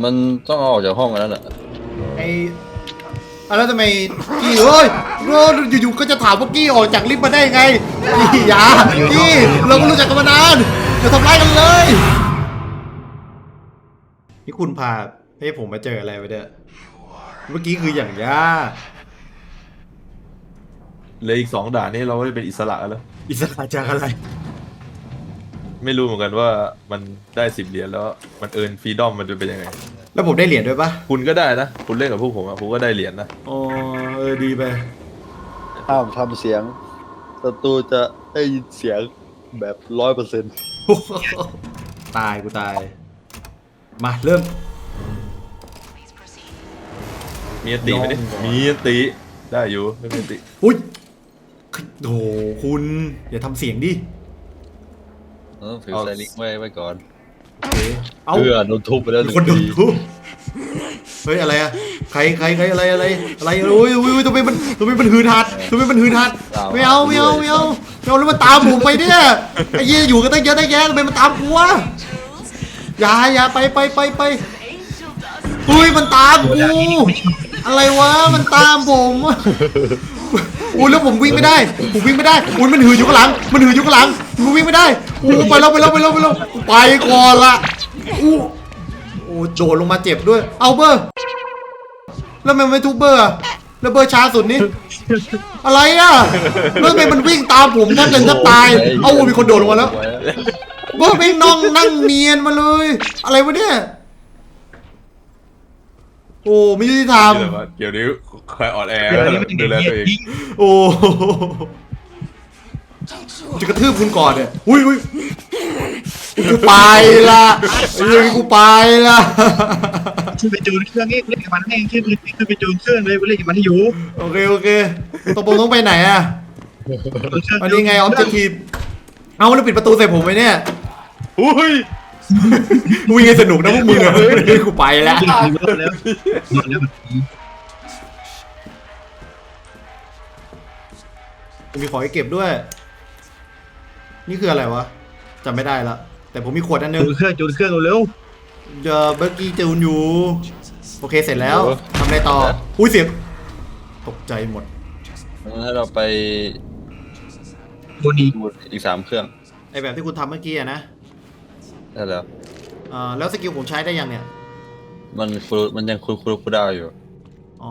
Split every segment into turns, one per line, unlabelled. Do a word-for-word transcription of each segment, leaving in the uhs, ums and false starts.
มันต้องออกจากห้องแล้วแหละ
ไอ้แล้วทำไมกี้เอ้ยอยู่ๆก็จะถามว่ากี้ออกจากลิฟต์มาได้ไงกี้อย่ากี้เราก็รู้จักกันมานานจะทำร้ายกันเลยนี่คุณพาให้ผมมาเจออะไรไปเนี่ยเมื่อกี้คืออย่างยาก
เลยอีกสองด่านนี้เราได้เป็นอิสระแล้ว
อิสระจากอะไร
ไม่รู้เหมือนกันว่ามันได้สิบเหรียญแล้วมันเอิร์นฟรีดอมมันจะเป็นยังไง
แล้วผมได้เหรียญด้วยปะ
คุณก็ได้นะคุณเล่นกับพวกผมอะผมก็ได้เหรียญนะ
อ๋อเออดีไป
ห้ามทำเสียงศัตรูจะได้ยินเสียงแบบร้อยเปอร์เซ็นต์
ตายกูตายมาเริ่ม
มีอันตีไหมดิมีอันตีได้อยู่ไม่มีอันตี
อุ้ยโหคุณอย่าทำเสียงดิ
เออถือไซลิกไว้ไว้ก่อน
เพื่
อโดนทุบไปแล้ว
คนโดนทุบเฮ้ยอะไรอะใครใครใครอะไรอะไรอะไรโอ้ยโอ้ยทำไมมันทำไมมันหืนหัดทำไมมันหืนหัดไม่เอาไม่เอาไม่เอาไม่เอาแล้วมันตามผมไปเนี่ยไอ้ยี่อยู่กันตั้งเยอะตั้งแยะทำไมมันตามกูวะอย่าอย่าไปไปไปไปอุ้ยมันตามกูอะไรวะมันตามผมอุ้ยแล้วผมวิ่งไม่ได้ผมวิ่งไม่ได้อุ้ยมันหืนอยู่ข้างหลังมันหืนอยู่ข้างหลังกูวิ่งไม่ได้อู้ไปแล้วไปแล้วไปแล้วไปแล้วไปก่อนละอู้โอ้โดดลงมาเจ็บด้วยเอาเบอร์แล้วมันไม่ทุบเบอร์แล้วเบอร์ช้าสุดนี่อะไรอ่ะแล้วทำไมมันวิ่งตามผมแทบจะจะตายเอามีคนโดดลงมาแล้วเบอร์ไม่น้องนั่งเนียนมาเลยอะไรวะเนี่ยโอ้ไม่ยุติธรรม
เดี๋ยวนี้คอยอ่อนแอดูแลตัวเอง
โอ้จะกระทืบคุณก่อนเนี่ยอุ้ยอุ้ยกูไปละยังกูไปละ
ขึ้นไปจูนเครื่องนี้เล่นกับมันให้ขึ้นขึ้นไปจูนเครื่องเลยเล่นกับมันให้อยู่
โอเคโอเคตกลงต้องไปไหนอ่ะอันนี้ไงออมจะทีเอาแล้วปิดประตูใส่ผมไปเนี่ย
อุ้ย
วิ่งให้สนุกนะพวกมึงอะกูไปแล้วมีของให้เก็บด้วยนี่คืออะไรวะจำไม่ได้ละแต่ผมมีขวดอันนึง
จูนเครื่องจูนเครื่องเร็ว
เดี๋ยวเบอร์กี้จูนอยู่โอเคเสร็จแล้วทำอะไรต่ออุ้ยเสียงตกใจหมด
ให้เราไป
บนนี้
อีกสามเครื่อง
ไอแบบที่คุณทำเมื่อกี้อะนะ
ได้แล้ว
อ่าแล้วสกิลผมใช้ได้ยังเนี่ย
มันคูมันยังคูคูคูดาวอยู่
อ๋อ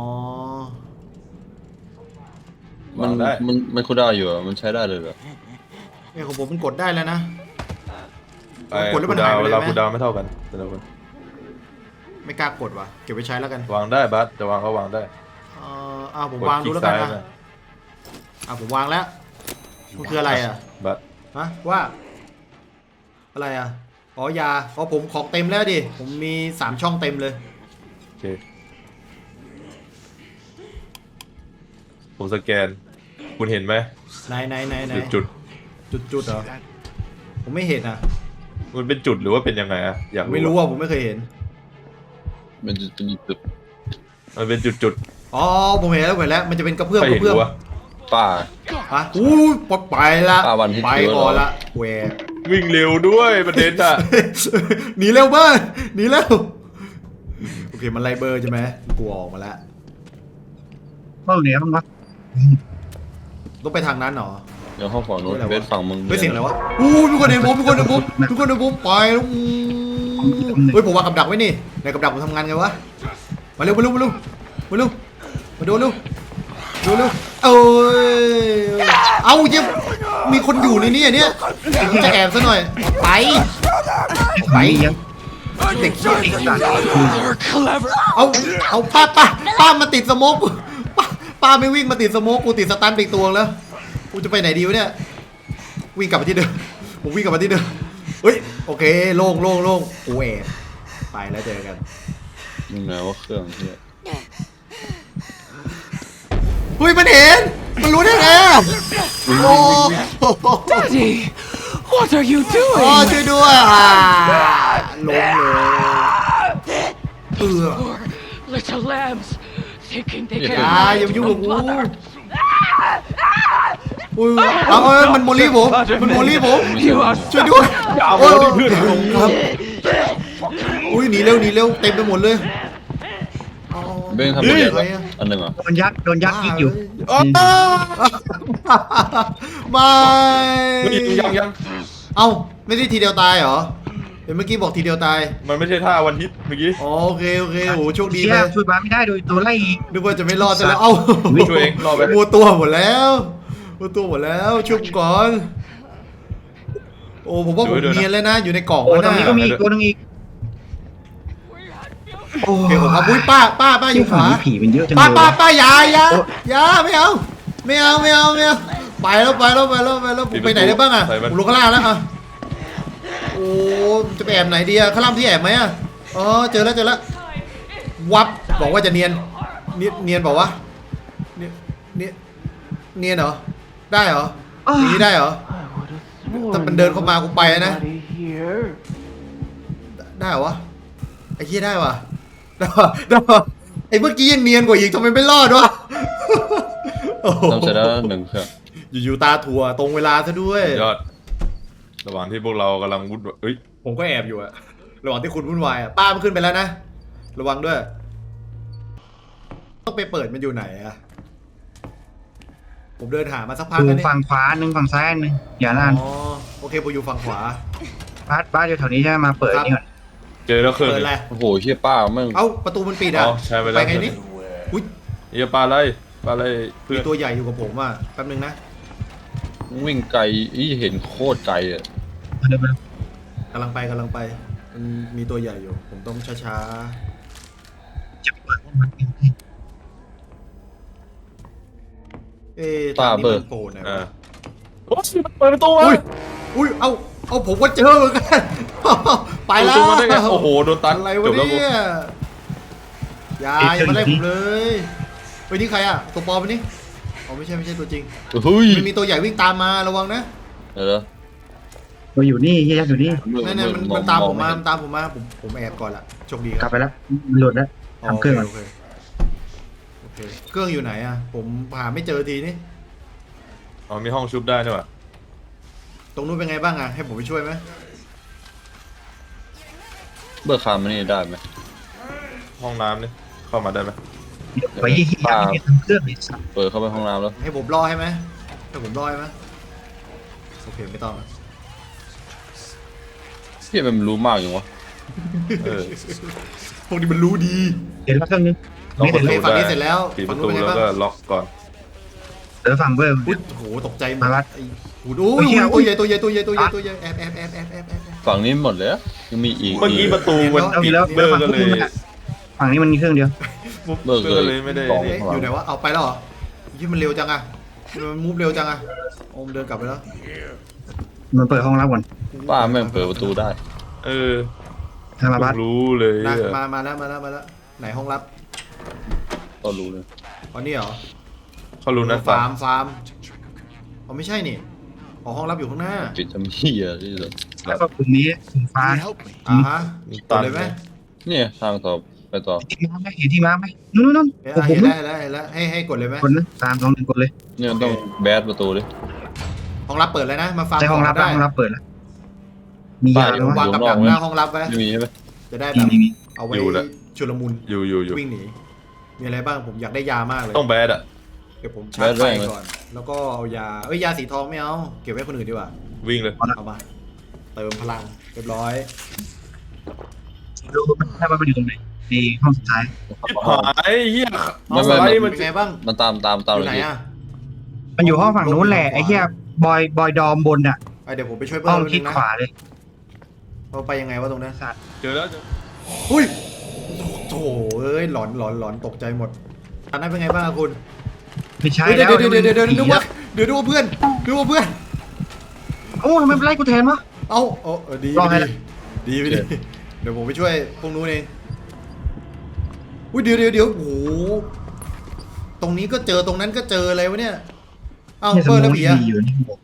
มันมันมันคูดาวอยู่มันใช้ได้เลยเหรอ
เนี่ยของผมมันกดได้แล้วนะ
กดแล้วมันหายไปเลยไหมคูดาวไม่เท่ากันแต่ละคน
ไม่กล้ากดว่ะเก็บไว้ใช้แล้วกัน
วางได้บัสจะวางก็วางได้
เอออ่าผมวางดูแล้วกันนะอ่าผมวางแล้วมันคืออะไรอ่ะ
บัส
ฮะว่าอะไรอ่ะอ๋อยาเพราะผมของเต็มแล้วดิผมมีสามช่องเต็มเลย
โอเคผมสแกนคุณเห็นไหม
ไหนไหนไหนไหน
จุด
จุดจุดเหรอผมไม่เห็นอ่ะ
มันเป็นจุดหรือว่าเป็นยังไงอะอยาก
ไม่รู้ว่าผมไม่เคยเห็น
มันจะเป็นจุด
มันเป็นจุดจุด
อ๋อผมเห็นแล้วเห็นแล้วมันจะเป็นกระเพื่อมกระเพื่อม
ป่า
อ่ะอู้ปลดไปละไปก่อนละแหว
วิ่งเร็วด้วยประเด็นอ่ะ
หนีเร็วเบอร์หนีเร็วโอเคมันไล่เบอร์ใช่ไหมกูออกมาแล้ว
เบ้าเหนียวมั้งวะ
ต้องไปทางนั้นหรอ
เดี๋ยวห้องฝั่งนู้นเบสฝั่งมึง
ไม่เสียงอะไรวะอู้ทุกคนเห็นผมทุกคนเห็นผมทุกคนเห็นผมไปแล้วเฮ้ยผมวางกับดักไว้นี่ในกับดักผมทำงานไงวะมาเร็วมาเร็วมาเร็วมาเร็วมาดูเร็วดูเร็วเอ้ยเอาเยี่ยมมีคนอยู่ในนี้เนี่ยจะแอบซะหน่อยไปไปเด็กเอาเอาป้าป้าป้ามาติดสโมกป้าป้าไม่วิ่งมาติดสโมกกูติดสตันไปตัวแล้วกูจะไปไหนดีวะเนี่ยวิ่งกลับมาที่เดิมผมวิ่งกลับมาที่เดิมเฮ้ยโอเคโล่งโล่งโล่งกูแอบไปแล้วเจอกัน
มึงไหนว่าเครื่องที่
เฮ้ยมันเห็นมันรู้ได้ไงโอ้
Daddy what are you doing
อ๋อช่วยด้วยอ่ะลงเลยเออ
little lambs thinking they
อย่าอย่ายุ่งกับกูอุ้ยเอาเอ้ยมันโมลี่ผมมันโมลี่ผมช่วยด้วยโอ้ยครับอุ้ยยหนีเร็วหนีเร็วเต็มไปหมดเลยอ๋อ
เบ้งทำไปเรียน
อะไรอะ
อันหนึ่งเหรอ
โดนยัดโดนยัดยิงอยู่
อ๋อ
ไม่
เฮ้ยยังยัง
เอ้าไม่ได้ทีเดียวตายเหรอเดี๋ยวเมื่อกี้บอกทีเดียวตาย
มันไม่ใช่ท่าวันฮิตเมื่อกี้
อ๋อโอเคโอเคโอ้โหโชคดี
เชี่
เลย ย
ช่วยบ้านไม่ได้โดยตัวไล่อีก
นึกว่าจะไม่รอดซะแล้วเอ้า
ช่วยเองรอไป
มัวตัวหมดแล้วมัวตัวหมดแล้วชุบก่อนโอ้ผมว่าผมเนียนแล้วนะอยู่ในกล่อง
โอ้
แล้ว
ตรง
นะ
นี้ก็มีอีกตัวนึงอีกโอ้
โอเคผมครับอุ้ยป้าป้าป้าอยู่ขวา
ผีเป็นเยอะจัง
ป้า
เลย
ป้าป้าอย่าอย่าอย่าไม่เอาไม่เอาไม่เอาไม่เอาไปแล้วไปแล้วไปแล้วไปแล้วผมไปไหนได้บ้างอ่ะผมลงข้างล่างแล้วอ่ะโอ้จะไปแอบไหนดีอ่ะข้างล่างที่แอบไหมอ่ะอ๋อเจอแล้วเจอแล้ววับบอกว่าจะเนียนเนียนเนียนบอกว่าเนียนเนียนเนียนเหรอได้เหรออย่างนี้ได้เหรอ ถ้ามันเดินเข้ามากูไปนะ
here.
ได้เหรอวะไอ้เหี้ยได้วะได้วะได้วะไอ้เมื่อกี้ยังเนียนกว่าอีกทำไมไม่รอดวะโอ้โห
ทำเสร็จแล้วหนึ่งเครื่อง
อยู่ๆตาถั่วตรงเวลาซะด้วย
ยอด ระหว่างที่พวกเรากำลังวุ่นวายเอ้ย
ผมก็แอบอยู่อะระหว่างที่คุณวุ่นวายอะป้ามันขึ้นไปแล้วนะระวังด้วยต้องไปเปิดมันอยู่ไหนอะผมเดินหามาสักพัก
ดู
แล้วเนี่ย
ฝั่งขวาหนึ่งฝั่งซ้ายหนึ่งอย่าลาน
อ๋อโอเคผมอยู่ฝั่งขวา
บ้านบ้านอยู่แถวนี้ใช่ไหมมาเปิดนี่ก่อน
เจอแล้วเครื่อง
เปิด
หนึ่ง
อะไร
โอ้โหเชี่ยป้าแม่ง
เอ้าประตูมันปิดอะ
อ๋อใช่ไปแล้ว
ไงนี่อุ้ย
เฮียปลาอะไรปลาอะไรเพื่
มี
อน
ตัวใหญ่อยู่กับผมอะแป๊บนึงนะ
วิ่งไกลอีเห็นโคตรไกลอ่ะ
เดินไป
กำลังไปกำลังไปมันมีตัวใหญ่อยู่ ผมต้องช้า
จะเปิดมัน
ๆเอ๊ะทางนี้มันโผล่ไหน
อ่าว
ะ
โอ้ยมันเปิดประตูมา
อุ้ยอุ้ยเอาเอาผมก็เจอเหมือนกัน ไปแล้ว
เปิดประตูมาได้ไงโอ้โหโดนตัน
อะไร
จ
วะ
บแล้วกู
เนี่ยอย่าอย่ามาไล่ผมเลยเฮ้ยนี่ใครอะตัวปลอมปะนี่อ๋อไม่ใช่ไม่ใช่ตัวจริง
เฮ้ย
มันมีตัวใหญ่วิ่งตามมาระวังนะ
เดี๋ยว
เราอยู่นี่เฮียยักษ์อยู่นี่
นั่นๆมันมันตามผมมามันตามผมมาผมผมแอบก่อนละโชคดี
ก
ค
ลั
รั
บบ ไปแล้วมันหลุดแล้วทำเครื่องก่อน
โอเคโอเคเครื่องอยู่ไหนอะผมหาไม่เจอทีนี่
อ๋อมีห้องชุบได้ใช่ป่ะ
ตรงนู้นเป็นไงบ้างอะให้ผมไปช่วยไหม
เบิกคามมันนี่ได้ไหม
ห้องน้ำนี่เข้ามาได้ไหม
ไปเฮียยักษ์เนี่ยทำเครื่องเลยสัตว์
เปิดเข้าไปห้องน้ำแล้ว
ให้ผมรอให้ไหมให้ผมรอให้ไหมโอเคไม่ต้องละ
เชี่ยมันรู้มากอย่างวะ
เออ
พวกนี้มันรู้ดี
เดี๋ยวเครื่องนึง
ล็อก
ไม่
ป
เห็
ระ
น
ตู
เลยฝั่ง
ได้
นี้เสร็จแล้ว
ปิดป
ฝั่ง
ระ
นู้น
ตู
เป็นไง
แล้ว
บ้าง
ก็ล็อกก่อน
เดี๋ยวฝั่งเบอร์
อุ๊ยโอ้โหตกใจหมด
มาวัด
ไอ้โอ้โหอุ้ย
เหี้ย
ตัวใหญ่ตัวใหญ่ตัวใหญ่ตัวใหญ่ตัวใหญ่แอบแอบแอบแอบแอบแอบแอบ
ฝั่งนี้หมดเลยอะยังมีอีก
เมื่อกี้ประตูมัน
เอา
ปิด
แล้ว
เบอร์ก็เลย
ฝั่งนี้มันมีเครื่องเดียว
เบอร์ก็เลยไม่ได้
กล่อง
เอ๊ะอยู่ไหนวะเอาไปแล้วเหรอยี่มันเร็วจังอะมันมูฟเร็วจังอะโอมเดินกลับไปแล้ว
มันเปิดห้องรับก่อน
ป้าแม่งเปิดประตูได้
เออ
ทางมาบัส
รู้เลย
นะ
อะ
มามาแล้วมาแล้วมาแล้วไหนห้องลับ
ก็รู้เลย
อ๋อนี่เหรอ
เขารู้นะ
ฟาร์มฟาร์มอ๋อไม่ใช่นี่อ๋อห้องลับอยู่ข้างหน้า
ปิดทำเหี้ยที่สุด
แล้วก็กลุ่มนี้กลุ่มฟ้า
อ่าฮะ
มี
ต่
ตั
อน เลยไหม
เนี่ยทางต่อไปต่อ
ที่มาร์คไหมเห็นที่มาร์คไหมนู่นนู่นนู่น
เอ๊ะ
ผม
เห็น
นู่
แล้ว
น
เห็นแล้วเห็นแล้วให้ให้กดเลยไหม
คนนะตามสองหนึ่งกดเลย
เนี่ยต้องแบดประตูดิ
ห้องลับเปิดแล้วนะมาฟาร์ม
ใช่ห้องรับ
ได้
ห้องรับเปิดแล้วมียาแล้ว
วาง
วะ
กับดักหน้าห้องลับไว้
ไม่มีใช่ไหม
จะได้
มี
แบบ
มีมี
เอาไว้ชุลมุน
อยู่อยู่อยู่
วิ่งหนีมีอะไรบ้างผมอยากได้ยามากเลย
ต้องแบดอะ
เดี๋ยวผมชาร์จไฟก่อน แล้วก็เอายาเอ้ยยาสีทองไม่เอาเก็บไว้คนอื่นดีกว่า
วิ่งเลย
เอามาเติมพลังเรียบร้อย
รู้ถ้ามันอยู่ตรงไหนในห้องสุดท้าย
หายเฮีย
ไม่
ส
ไม่
ไล
ไม่
ด์มัน
เป็นไงบ้าง
มันตามตามตาม
อ
เล
ยู่
ย
ไหน
พี่
อ่ะ
มันอยู่ห้องฝั่งนู้นแหละไอ้เหี้ยบอยบอยดอมบนอ่ะ
ไอเดี๋ยวผมไปช่วยเพิ่
ห้
ม
อง
นิด
ทิ
นึ
ศ
งนะ
ขวาเลย
เราไปยังไงวะตรงนั้น
สัตว์
เจอแล้วเจอ
อุ้ยโถ่เอ้ยหลอนหลอนหลอนตกใจหมดอันนั้นเป็นไงบ้างอะคุณ
ไม่ใช่
เฮ้ยเดี๋
แล้
ยว วเดี๋ยวเดี๋ยวเดี๋ยวนึกว่า
ผี
เดี๋ยวนึกว่าเพื่อนนึกว่าเพื่อน
โอ้ทำไมไล่กูแทนวะ
เอ้าเออเออดี
รอให้
ดี
ละ
ดีไปดิเดี๋ยวผมไปช่วยพวกนู้นเองอุ้ยเดี๋ยวเดี๋ยวเดี๋ยวโอ้โหตรงนี้ก็เจอตรงนั้นก็เจออะไรวะเนี่ยเอ้า
เนี่ยส
เปิ
ม
ดแล้ว
อง
ผี
ดี
อะ
อยู่นี่บอก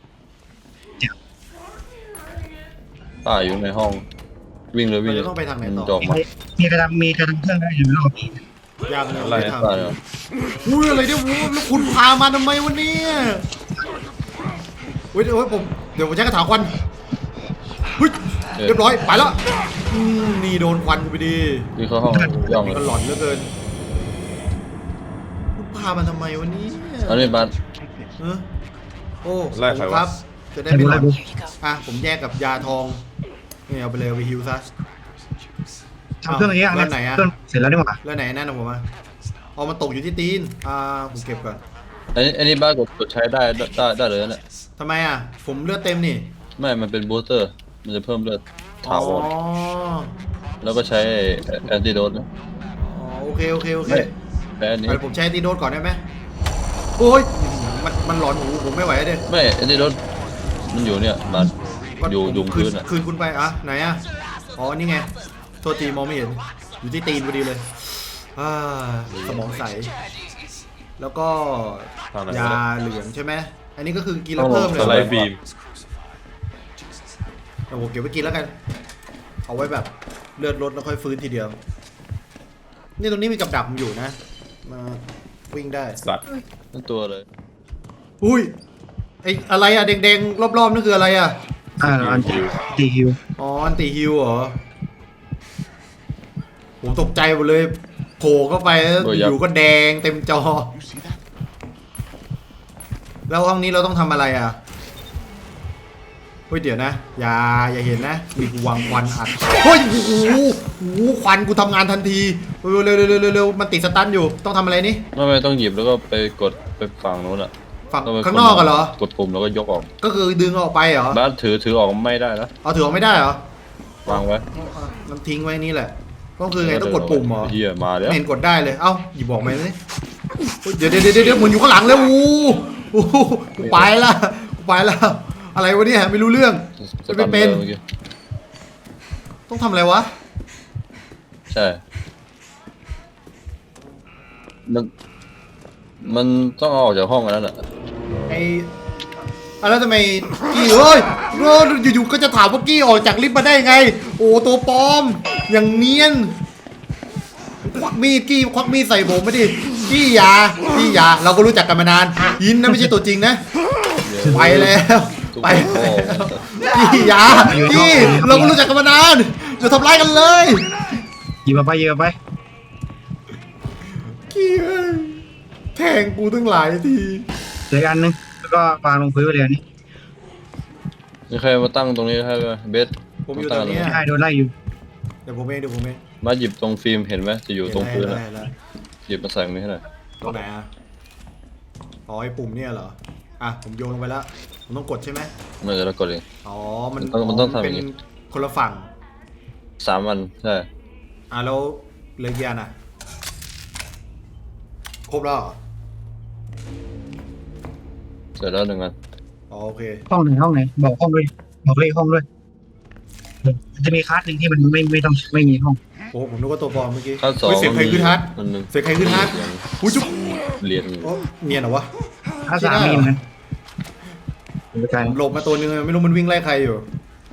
ป้าอยู่ในห้อง วิ่งเลยวิ่งเลย
เราจะต้องไปทางไหนต่อ
จอกมา
มีกระดำมีกระดำเครื่องได้อยู่รอบนี้
ยังเลย
อะไร
ไม่
อะ
ท
ป้าเนี่ย
ำอุ้ยอะไรเนี่ยโอ้โหแล้วคุณพามาทำไมวะเนี่ยอุ้ยเดี๋ยวผมเดี๋ยวผมใช้กระถางควันอุ้ยเรียบร้อยไปแล้วอืมนี่โดนควันกูไปดี
ที่เข้าห้องย่องเล
นี่
ย
ก็หลอนเหลือเกินกูพามันทำไมวันนี้
อันนี้บัส
เออโอ้
ไล่ใคร
ผม
วะ
ครับ จะได้ไม่หลอนอ่ะผมแยกกับยาทองนี่เอาไปเลยเอาไปฮิวซะ
ทำเครื่องอย่างเงี้ย
แล้วไหนอะ
เครื่องเสร็จแล้วนี่หว่า
แล้วไหนนั่นนะผมอ่ะเอามาตกอยู่ที่ตีนอ่าผมเก็บก่อน
อันนี้อันนี้บัสกดกดใช้ได้ได้ได้เลยนะ
ทำไมอ่ะผมเลือดเต็มนี่
ไม่ มันเป็นบูสเตอร์ มันจะเพิ่มเลือดถา
อ๋อ
วรแล้วก็ใช้แอนติโดสนะ
อ๋อโอเคโอเคโอเค
ไม่แพ้อันนี้
เดี๋ยวผมใช้ตีโดสก่อนได้ไหมโอ้ยมันมันหลอนหูผมไม่ไหวเด้
ไม่แอนติโดสมันอยู่เนี่ยบัสอยู่ยุง
คื
พื้
น
นอ่ะ
คืนคุณไปอ่ะไหนอ่ะอ๋อนี่ไงโทษทีมองไม่เห็นอยู่ที่ตีนพอดีเลยอ่าสมองใสแล้วก็
ทางไหน
ยาว
ะ
เหลืองใช่ไหมอันนี้ก็คือกินแล้วเพิ่มเลย
ส
เหร
ไล
อ
ด์บีม
เอาผมเก็บไว้กินแล้วกัน เอาไว้แบบเลือดลดแล้วค่อยฟื้นทีเดียว นี่ตรงนี้มีกับดักผมอยู่นะ มาวิ่งได้
สัตว์
นั่นตัวเลย
อุ้ยไออะไรอะแดงๆรอบๆนั่นคืออะไรอะ
อ่าอันตีฮิว
อ๋ออันติฮิวเหรอ ผมตกใจหมดเลยโผล่เข้าไปแล้วอยู่ก็แดงเต็มจอ แล้วห้องนี้เราต้องทำอะไรอ่ะเฮ้ยเดี๋ยวนะ อย่าอย่าเห็นนะ มีกูวางควันอัดเฮ้ยโอ้โหโอ้โหควันกูทำงานทันทีเร็วเร็วเร็วเร็วเร็วเร็วมันติดสตันอยู่ต้องทำอะไรนี่
ไม่ไม่ต้องหยิบแล้วก็ไปกดไปฝั่งนู้นอ่ะ
ฝั่ง
ต้ไป
ข้างนอกกันเหรอ
กดปุ่มแล้วก็ยกออก
ก็คือดึงออกไปเหรอ
บัสถือถือออกไม่ได้นะ
เอาถือออกไม่ได้เหรอ
วางไว้
มันทิ้งไว้นี่แหละก็คือไงต้องกดปุ่มเหรอ
เฮียมาแล้ว
ไม่เห็นกดได้เลย เอ้าหยิบบอกมาเลยเดี๋ยวเดี๋ยวเดี๋ยวเดี๋ยวมันอยู่ข้างหลังแล้วอู้อู้กูไปละกูไปละอะไรวะเนี่ยไม่รู้เรื่อง
ส
ไม่
ตัน
เป็น
เมื่อกี้
ต้องทำอะไรวะ
ใช่มันมันต้องเอาออกจากห้องอันนั้นอ่ะ
ไอ้อะแล้วทำไมกี้เฮ้ยโอ้อยู่ๆก็จะถามว่ากี้ออกจากลิฟต์มาได้ไง โอ้ตัวปลอม อย่างเนียน ควักมีดกี้ควักมีดใส่ผมไม่ดิกี้อยากี้อยาเราก็รู้จักกันมานานยินนะไม่ใช่ตัวจริงนะ ไปแล้วไปแล้วกี้อยากี้เราก็รู้จักกันมานานอย่าทำร้ายกันเลย
หยิบมาไปหยิบมาไป
กี้เอ้ยแทงกูตั้งหลายที
เหลืออกอันนึงแล้วก็วางลงพื้นไปเลยอันนี่
มีใครมาตั้งตรงนี้ให้ไหมเบส
ผมอยู่ตรงเนี้ย
ใช่โดนไล่อยู่
เดี๋ยวผมเองเดี๋ยวผมเอง
มาหยิบตรงฟิล์มเห็นไหมจะอยู่ตรงพื้น
ได้
อ่ะ
ได้ได้
หยิบมาใส่ตรงนี้ให้หน่อย
ตรงไหนอ่ะอ๋อไอ้ปุ่มเนี่ยเหรออ่ะผมโยนลงไปแล้วผมต้องกดใช่ไหม
มันจะแล้วกดเอง
อ๋อมัน
มันต้องมันต้องทำอ
เป็
ย่าน งงี้
คนละฝั่ง
สามวันใช่
อ่ะแล้วเหลยกี่อันอ่ะครบแล้วเหรอ
เสร็จแล้วหนึ่งอัน
อ๋อโอเค
ห้องไหนห้องไหนบอกห้องด้วยบอกเลขห้องด้วยมันจะมีคลาสหนึ่งที่มันไม่ไม่ต้องไม่มีห้อง
โอ้ผมนึกว่าตัวปลอมเมื่อกี้
ขั้นสอง
เฮ้ยเสียงใครขึ้นฮาร์ด
อันหนึ่ง
เสียงใครขึ้นฮาร์ดอุ้ยจุ๊บ
เหรียญ
โอ้เนียนเหรอวะ
คลาสสามมีเหมือนกันไปไกล
หลบมาตัวนึงไม่รู้มันวิ่งไล่ใครอยู่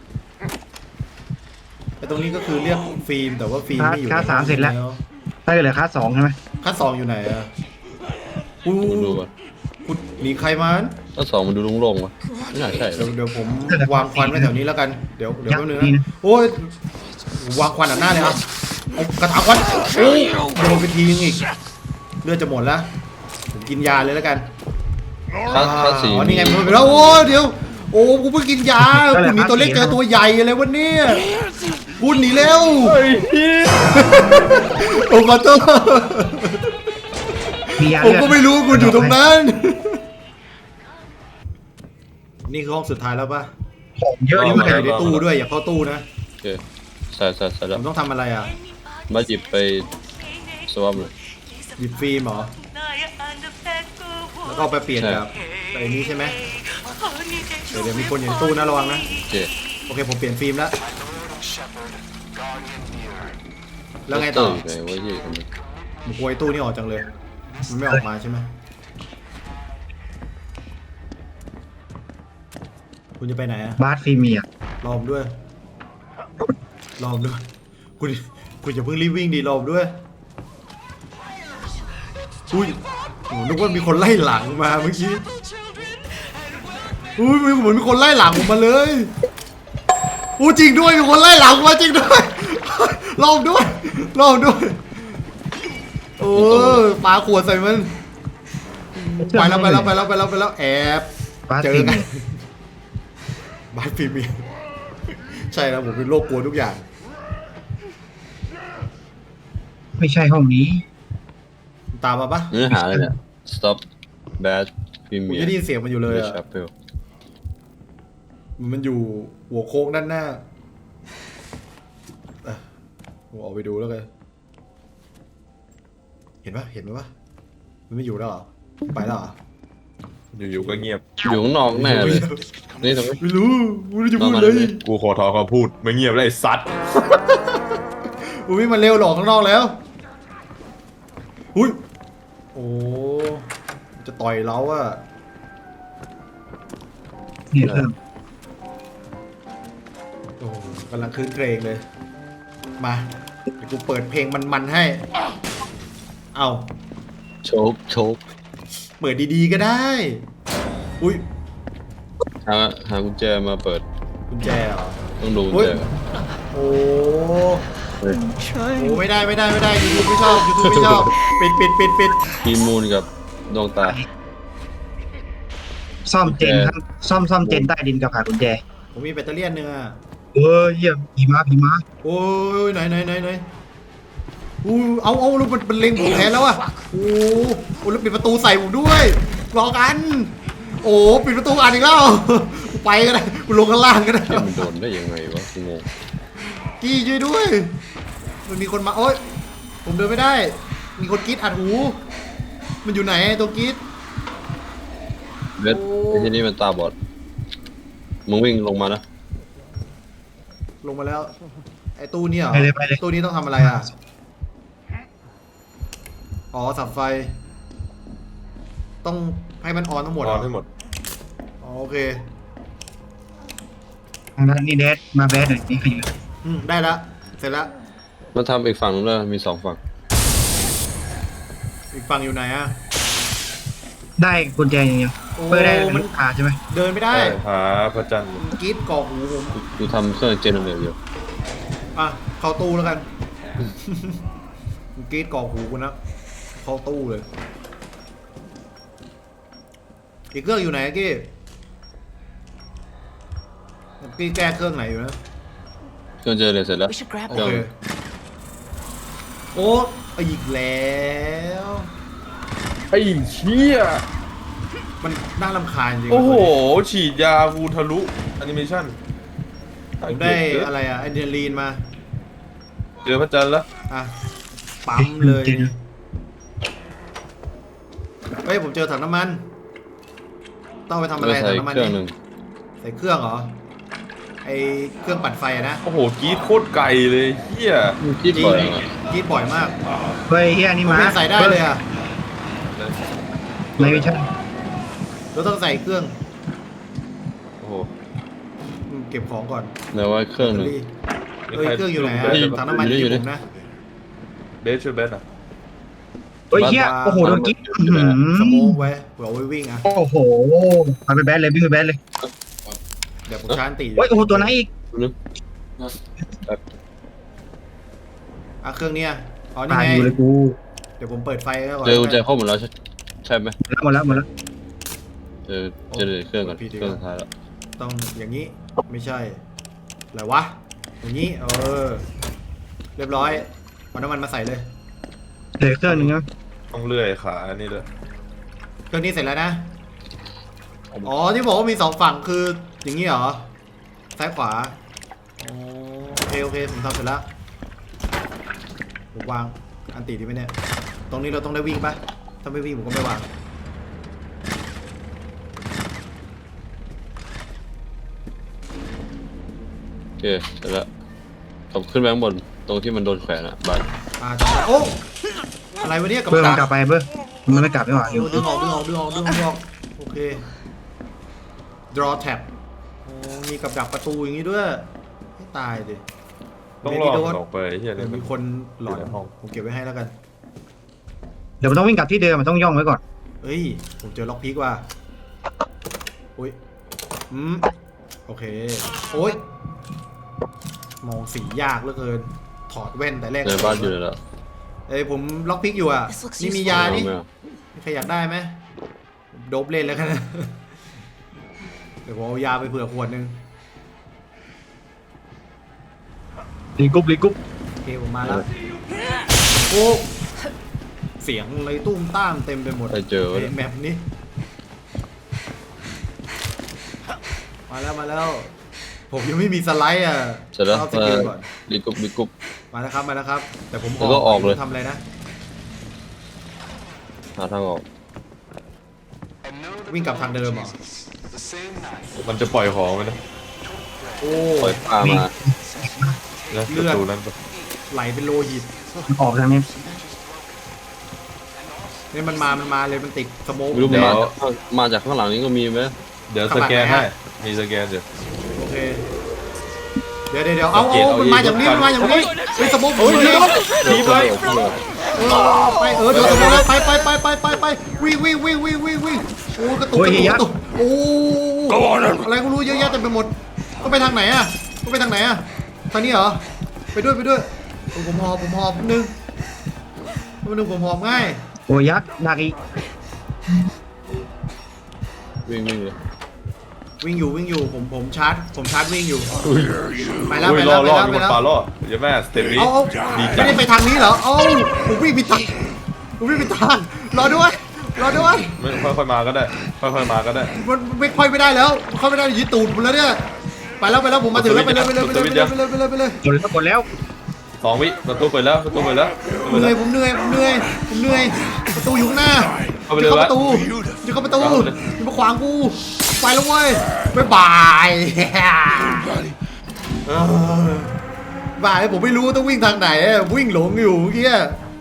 ไอ้ตรงนี้ก็คือเรียกฟิล์มแต่ว่าฟิล์มไม่อยู่
คลาสสามเสร็จแล้วถ้าเกิดเหลือคลาสสองใช่ไหม
คัดสองอยู่ไหนอะอู้
มันดูก่อน
กูหนีใครมา
ขั้นสองมันดูโล่งๆวะไม่น่าใช่
เดี๋ยวเดี๋ยวผมวางควันไว้แถวนี้แล้วกันเดี๋ยวเดี๋ยวแป๊บนึง
นี่
นะ
นะ
โอ้ยวางควันอันหน้าเลยอ่ะเอากระถางควันโอ้ยโดนไปทีนึงอีกเลือดจะหมดแล้วผมกินยาเลยแล้วกัน
ขั้นขั้นสี่
อ๋อนี่ไงมันไปแล้วโอ้เดี๋ยวโอ้กูเพิ่งกินยาคุณหนีตัวเล็กเจอตัวใหญ่อะไรวะเนี่ยคุณหนีเร็วโอ้ขอโทษ
มียา
ผม
เลือด
ก็ไม่รู้คุณอยู่ตรงนั้น นี่คือห้องสุดท้ายแล้วปะ
ของเยอะนี่
อ
มัน
ยู่ในตู้ด้วยอย่าเข้าตู้นะ
โอเคใส่ใส่ใส่
ผ
แล้ว
มต้องทำอะไรอ่ะ
มาหยิบไปสวอปเลย
หยิบฟิล์มเหรอแล้วก็เอาไปเปลี่ยนกับไอ้นี้ใช่ไหมเดี๋ยวเดี๋ยวมีคนอยู่ในตู้นะระวังนะ
โอเค
โอเคผมเปลี่ยนฟิล์มแล้วแล้วไงต่อ
เตร์ยู่ไหนวะยี่คนนี้
ผมกลัวไอ้ตู้นี่ออกจังเลยมันไม่ออกมาใช่ไหมคุณจะไปไหนอ่ะ
บาสฟิล์มมีอ่ะ
รอผมด้วย รอผมด้วย คุณคุณอย่าเพิ่งรีบวิ่งดีรอผมด้วย อุ้ยโหนึกว่ามีคนไล่หลังมาเมื่อกี้ อุ้ยเหมือนมีคนไล่หลังผมมาเลยอู้จริงด้วยมีคนไล่หลังมาจริงด้วยลองด้วยลองด้วยโอ้ปาขวดใส่มันไปแล้วไปแล้วไปแล้วไปแล้วไปแล้วแอบ
บาส
เจอ
ตี
กันบาสพรีเมียร์ใช่แล้วผมเป็นโรคกลัวทุกอย่าง
ไม่ใช่ห้องนี้
ตามมาปะ
เนื้อหาอะไรเนี่ย stop bad
ผม
premier
จะได้ยินเสียงมันอยู่เลยอะ
chapel
มันอยู่หัวโค้งด้านหน้าอ่ะผมออกไปดูแล้วกันเห็นปะเห็นไหมปะมันไม่อยู่แล้วเหรอไปแล้วเหรอ
อยู่ๆก็เงียบ
อยู่ข้างนอกแน่เลย นี่ตรงนี้
ไม่รู้ไม่รู้จะพูด
นอกมา
เลย
เลย
กูขอถอนคำพูดไม่เงียบแล้วไอ้ซัด
อุ้ยมันเร็วหลอกข้างนอกแล้วอุ้ยโอ้จะต่อยเราอะ
เนี่ยเครื่อง
โอ้กำลังคืนเครงเลย มาเดี๋ยวกูเปิดเพลงมันๆให้ เอา
โชกโชก
เปิดดีๆก็ได้ อุ้ย
หาหากุญแจมาเปิด
กุญแจเหรอ
ต้องดูกุญ
อุ๊ย
แจก่อน
โอ้
เฮ้ย
โอ้ไม่ได้ไม่ได้ไม่ได้ยูทูบไม่ชอบยูทูบไม่ชอบ ปิดปิดปิดปิด
มีมูลกับดวงตา
ซ่อมเจนครับซ่อมซ่อมเจนใต้ดินกับหากุญแจ
ผมมีแบตเตอรี่อันหนึงอะ
เออเยี่ยมผีมาผีมา
โอ้ยไหนไหนไหนไหนอู้เอาเอาแล้วมันเป็นเล็งผมแทนแล้วอะโอ้โอ้แล้วปิดประตูใส่ผมด้วยรอกัน โอ้ปิดประตูอ่านอีกแล้วกูไปก็ได้กูลงข้างล่างก็ได้
เกมมันโดนได้ยังไงวะกูงง
กี้ช่วยด้วย มันมีคนมาโอ๊ยผมเดินไม่ได้ มีคนกรีดอัดหู มันอยู่ไหนตัวกรีด
เวทไอ้ที่นี่มันตาบอด มึงวิ่งลงมานะ
ลงมาแล้ว ไอ้ตู้เนี่ยเหรอ
ไปเลยไปเลย
ตู้นี้ต้องทำอะไรอ่ะ อ๋อสับไฟ ต้องให้มันออนทั้งหมด
น
เหร
อ
อน
ให้หมด
อ๋อโอเค
ทางด้านนี้แดดมาแบดหน่อยนี่ขยัน
อืมได้ละเสร็จละ
มาทำอีกฝั่งนึงเลยมีสองฝั่ง
อีกฝั่งอยู่ไหนอ่ะ
ได้กุญแจอย่างเดียว
โอ้
เปิดได้
มัน
ลูกค้าใช่ไหม
เดินไม่ได้
หาพระจันทร์
กรีดกรอกหูผม
กูกูทำเครื่องเจเนเรตอยู่
อ่ะ เข้าตู้แล้วกัน กรีดกรอกหูกูนะ เข้าตู้เลย อีกเครื่องอยู่ไหนอะกี้กี้แก้เครื่องไหนอยู่นะ
เครื่องเจเนเรตเสร็จแล้ว
We should grab
โอ
them.
เค โอ้อีกแล้ว
ไอ้เชี่ย
มันน่ารำคาญจริง
โอ้โห ฉีดยากูทะลุแอนิเมชั่น
ผมได้อะไรอะอะดรีนาลีนมา
เจอพระจันทร์แล้ว
อ่ะ ปั๊มเลย เฮ้ย ผมเจอถังน้ำมัน ต้องไปทำอะไร
ก็ใส่
ถังน้ำมัน
เครื่องห
นี่
นึ่ง
ใส่เครื่องเหรอ ไอเครื่องปั่นไฟอะนะ
โอ้โหกรีดโคตรไกลเลยเฮีย
มึงคิดบ่อยอ่ะ
กรีดบ่อยมาก
เฮ้ยเฮียนี่
ผม
มา
ไม่ใส่ได้เลยอะ
ไม่ใช่
เราต้องใส่เครื่อง
โอ้โห
อืมเก็บของก่อน
แต่ว่าเครื่องหนึ่ง
เฮ้ยเครื่องอยู่ไหนอะ
อยู่
ถังน้ำมัน
อยู่
อยู่
นี่
ผมนะ
เบสช่วยเบสอ่ะ
เฮ้ยเฮียโอ้โหโดนกิ๊กอื้อหื
สโม
อก
ไว้เผื่อเอาไว้วิ่งอะ
โอ้โหไปไปแบดเลยวิ่งไปแบดเลย
เดี๋ยวผมชาร์จตี
เฮ้ยโอ้โหตัวไหนอีก
นึก
อ่ะเครื่องเนี้ยอ๋อนี่
ตาย
ไง
อยู่เลยกู
เดี๋ยวผมเปิดไฟแล้วก่อน
เจอกุญแจครบหมดแล้วใช่ใช่ไหม
หมดแล้วหมดแล้ว
เจอเจเนเรตเครื่องก่อนเครื่องสุดท้ายแล้ว
ต้องอย่างนี้ไม่ใช่อะไรวะอย่างนี้เออเรียบร้อยเอาน้ำมันมาใส่เลย
เหลือเครื่องหนึงนะ
ต้องเลื่อยขาอันนี้ด้วย
เครื่องนี้เสร็จแล้วนะอ๋อที่บอกว่ามีสองฝั่งคืออย่างนี้เหรอซ้ายขวาอ๋อโอเคโอเคผมทำเสร็จแล้วผมวางอันตีดีไหมเนี่ยตรงนี้เราต้องได้วิ่งปะถ้าไม่วิ่งผมก็ไม่วาง
โอเคเสร็จแล้วขับขึ้นไปข้างบนตรงที่มันโดนแขวนอ่ะบาส
อ่าจำได้โอ้อะไรวะเนี่ยกับ
เบอร์มันก
ดั
ลั
ก
บไปเบอร์มันไม่กลับไม่หว่า
ดึงดึงออกดึงออกดึงออกดึงออกดึงออกโอเค draw tab โอ้มีกับดักประตูอย่างนี้ด้วยให้ตายดิ
ต้องรอมันออกไปเฮีย
เดี๋
เนี่ย ยว มัน
มีคนหลอน
อยู่ในห้อง
ผมเก็บไว้ให้แล้วกัน
เดี๋ยวมันต้องวิ่งกลับที่เดิมมันต้องย่องไว้ก่อน
เอ้ยผมเจอล็อกพีกว่ะอุ้ยอืมโอเคโอ้ยมองสียากเหลือเกิน ถอดแว่นแต่แรก
ในบ้านอยู่เลยแล้ว
เอ้ยผมล็อกพิกอยู่อ่ะ
This looks
นี่มี
useful.
ยานี่
ไม่เอา
ใครอยากได้ไหมโดบเล่นแล้วกันนะ เดี๋ยวผมเอายาไปเผื่อขวดนึง
รีกรุ๊ปรีกรุ๊ป
โอเคผมมาแล้ว โอ้เสียงอะไรตุ้มต้ามเต็มไปหมด
ใครเจอวะ
ในแมปนี้ มาแล้วมาแล้ว ผมยังไม่มีสไลด์อ่ะ
เสร็จแล้ว
เอาส
มา
กิลก่อน
รีกรุ๊ปรีกรุ๊ป
มาแล้วครับมาแล้วครับ แต่ผม
แล้วก็ออกเลย
ทำอะไรนะ
หาทางออก
วิ่งกลับทางเดิมเหรอ
มันจะปล่อยของไว้นะ
โอ้
ปล่อยปลามา
นะ
เลื
ประ
อด
ตูนั้นปะ
ไหลเป็นโลหิต
ออกทางนี้
เนี่ยมันมามันมาเลยมันติดสโมก
ไม่รู้มันมาจากข้างมาจากข้างหลังนี้ก็มีไหม
เดี๋ยวสแกนให้มีสแกนเดี๋ยว
โอเค เดี๋ยวเดี๋ยวเดี๋ยวเอา
สังเก
เอา
ตเอา
มันมาอย่างนี้
เอง
มันมาอย่างนี้เฮ้ยสโมกผม
เฮ้ย
เลย
รีบเลย
เออไปเออเดี๋ยวสโมกแล้วไปไปไปไปไปไปวิ่งวิ่งวิ่งวิ่งวิ่งวิ่งโอ้กระตุกกระตุกกระตุกโอ้อะไรก็รู้เยอะแยะเต็มไปหมดก็ไปทางไหนอ่ะก็ไปทางไหนอ่ะทางนี้เหรอไปด้วยไปด้วยโอ้ผมหอบผมหอบนิดนึงนิดนึงผมหอบง่าย
โอ้ยยักษ์ดักอีก
วิ่งวิ่งเลย
วิ่งอยู่วิ่งอยู่ผมผมชาร์จผมชาร์จวิ่งอยู่
อุ้ย
ไปแล้ว
อุ้
ไป
ย
แล้
ล่
ว
อ
ไป
ล่อ
แล้ว
มี
ไป
คน
แล้ว
ปลาล่อเดี๋ยวแม่สเต็ปนี้
เอาเอา
ดี
ไม่
จัง
ได้ไปทางนี้เหรอเอาผมวิ่งผิดทางผมวิ่งผิดทางรอด้วยรอด้วย
ไม่ค่อยๆมาก็ได้ค่อยๆมาก็ได้
มันไม่ค่อยไม่ได้แล้วเข้าไม่ได้ยึดตูดผมแล้วเนี่ยไปแล้วไปแล้วผมมาถึงแล้วไปเลยไปเลยไปเลยไปเลยไปเลยไปเลยไปเลย
กดแล้วกดแล้ว
สองวิประตูเปิดแล้วประตูเปิดแล้วประตู
เห
เปิด
นื่
แล้
อยว ผมเหนื่อยผมเหนื่อยผมเหนื่อยประตูอยู่ข้างหน้า
เข้าไป
จะ
เลย
เข้าประตู
วะ
จะเข้าประตู
เข้าไปเลย
จะมาขวางกูไปแล้วเว้ยบ๊ายบาย เออบายผมไม่รู้ต้องวิ่งทางไหนอะวิ่งหลงอยู่เมื่อกี้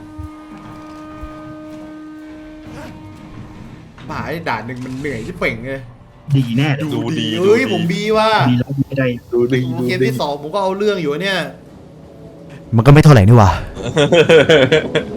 บ่ายด่านหนึ่งมันเหนื่อยที่เป่งเลย
ดีแน่
ดูดี
เฮ้ย
ดูดี
ผมบีว่า
ดีแล้วไม่ได้
ดูดิดู
เกม
ดิ
ที่สองผมก็เอาเรื่องอยู่เนี่ย
มันก็ไม่เท่าไหร่นี่หว่า
โ